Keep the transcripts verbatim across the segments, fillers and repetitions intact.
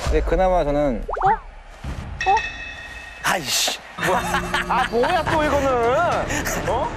근데 그나마 저는 아이씨. 아 뭐야 또 이거는? 어?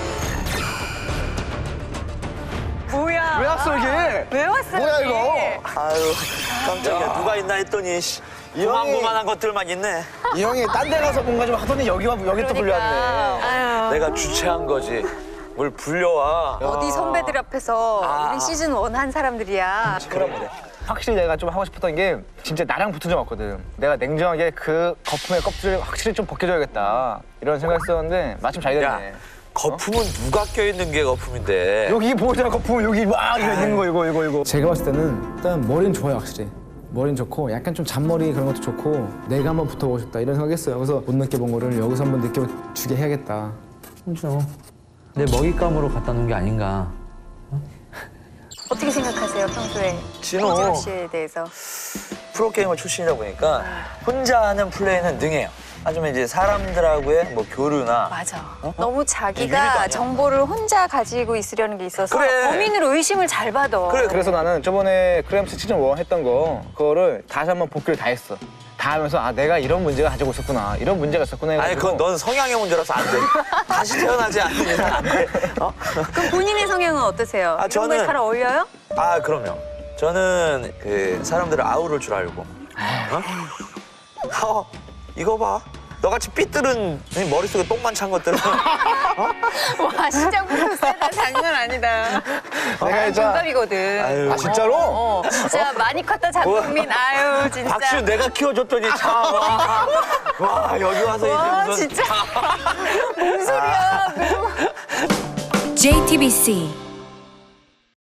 뭐야? 왜 왔어 이게? 왜 왔어? 뭐야 여기? 이거? 아유, 깜짝이야. 누가 있나 했더니 씨. 이 형이- 고만고만한 것들만 있네. 이 형이 딴 데 가서 뭔가 좀 하더니 여기 와 여기 또 불려왔네. 아유. 내가 주최한 거지. 뭘 불려와. 어디 선배들 앞에서 아. 우린 시즌 원 한 사람들이야. 그래. 확실히 내가 좀 하고 싶었던 게 진짜 나랑 붙은 적 없거든. 내가 냉정하게 그 거품의 껍질을 확실히 좀 벗겨줘야겠다 이런 생각했었는데 마침 잘 야, 됐네. 거품은 누가 껴있는 게 거품인데. 여기 보자 거품 여기 막 이거 있는 거 이거 이거 이거. 제가 봤을 때는 일단 머리는 좋아요, 확실히. 머리는 좋고 약간 좀 잔머리 그런 것도 좋고 내가 한번 붙어보고 싶다 이런 생각했어요. 그래서 못 느껴본 거를 여기서 한번 느껴주게 해야겠다. 그렇죠. 내 먹잇감으로 갖다 놓은 게 아닌가. 어떻게 생각하세요 평소에 진호. 홍진호 씨에 대해서? 프로게이머 출신이다 보니까 혼자 하는 플레이는 능해요. 하지만 이제 사람들하고의 뭐 교류나 맞아. 어? 너무 유리도 자기가 아니야. 정보를 혼자 가지고 있으려는 게 있어서 그래. 범인으로 의심을 잘 받아. 그래, 그래서 나는 저번에 크램스 시즌 일 했던 거 그거를 다시 한번 복귀를 다 했어. 다 하면서 아 내가 이런 문제가 가지고 있었구나 이런 문제가 있었구나 아니 해가지고 그건 넌 성향의 문제라서 안 돼. 다시 태어나지 않는 이상 안 돼. 어? 그럼 본인의 성향은 어떠세요? 아, 이런 거에 저는- 잘 어울려요? 아 그럼요. 저는 그 사람들을 아우를 줄 알고. 어? 어 이거 봐. 너같이 삐뚤은 머릿속에 똥만 찬 것들은 와 시작부터 세다 장난 아니다. 내가 진짜 동갑이거든. 아유. 아 진짜로? 어, 진짜 많이 컸다 장국민. 아유 진짜. 박수 내가 키워줬더니 참 와, 와 여기 와서 와 이제 무슨 진짜. 뭔 소리야. 제이티비씨